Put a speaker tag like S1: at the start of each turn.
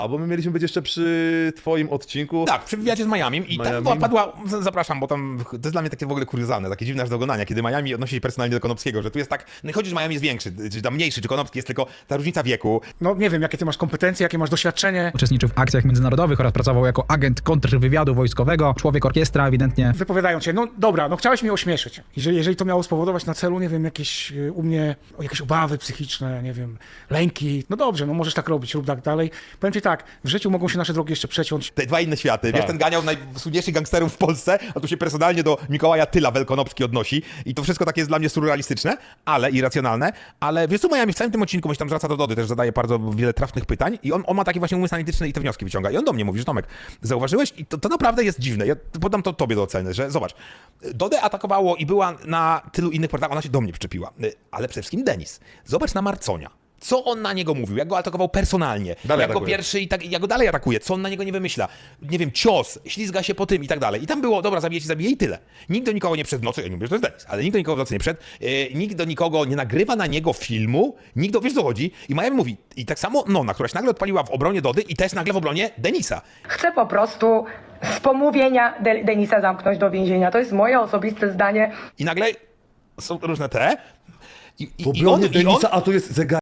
S1: Albo my mieliśmy być jeszcze przy twoim odcinku.
S2: Tak, przy wywiadzie z Miami i tam padła, zapraszam, bo tam, to jest dla mnie takie w ogóle kuriozalne, takie dziwne aż do oglądania, kiedy Miami odnosi się personalnie do Konopskiego, że tu jest tak, no i chodzi, że Miami jest większy, czy tam mniejszy, czy Konopski jest tylko ta różnica wieku.
S3: No nie wiem, jakie ty masz kompetencje, jakie masz doświadczenie.
S4: Uczestniczył w akcjach międzynarodowych oraz pracował jako agent kontrwywiadu wojskowego, człowiek orkiestra ewidentnie.
S3: Wypowiadają cię, no dobra, no chciałeś mnie ośmieszyć. Jeżeli to miało spowodować na celu, nie wiem, jakieś u mnie jakieś obawy psychiczne, nie wiem, lęki, no dobrze, no możesz tak robić, rób tak dalej. Powiem ci tak, w życiu mogą się nasze drogi jeszcze przeciąć.
S2: Te dwa inne światy, wiesz, ten ganiał najsłynniejszych gangsterów w Polsce, a tu się personalnie do Mikołaja Tyla Welkonopski odnosi i to wszystko takie jest dla mnie surrealistyczne, ale irracjonalne, ale wiesz co, Miami w całym tym odcinku, bo się tam zwraca do Dody, też zadaje bardzo wiele trafnych pytań i on ma taki właśnie umysł analityczny i te wnioski wyciąga i on do mnie mówi, że Tomek, zauważyłeś i to naprawdę jest dziwne, ja podam to tobie do oceny, że zobacz, Dodę atakowało i była na tylu innych portalach, ona się do mnie przyczepiła, ale przede wszystkim Denis, zobacz na Marconia. Co on na niego mówił? Jak go atakował personalnie?
S1: Dalej
S2: Jak go
S1: atakuje.
S2: pierwszy i tak, jak go dalej atakuje? Co on na niego nie wymyśla? Nie wiem, cios, ślizga się po tym i tak dalej. I tam było, dobra, zabije i tyle. Nikt do nikogo nie przed w nocy, ja nie mówię, że to jest Denis, ale nikt do nikogo w nocy nie przed, nikt do nikogo nie nagrywa na niego filmu, nikt wiesz co chodzi? I Miami mówi, i tak samo Nona, która się nagle odpaliła w obronie Dody i też nagle w obronie Denisa.
S5: Chcę po prostu z pomówienia Denisa zamknąć do więzienia. To jest moje osobiste zdanie.
S2: I nagle są różne te.
S1: W obronie Denisa, a tu jest zegar.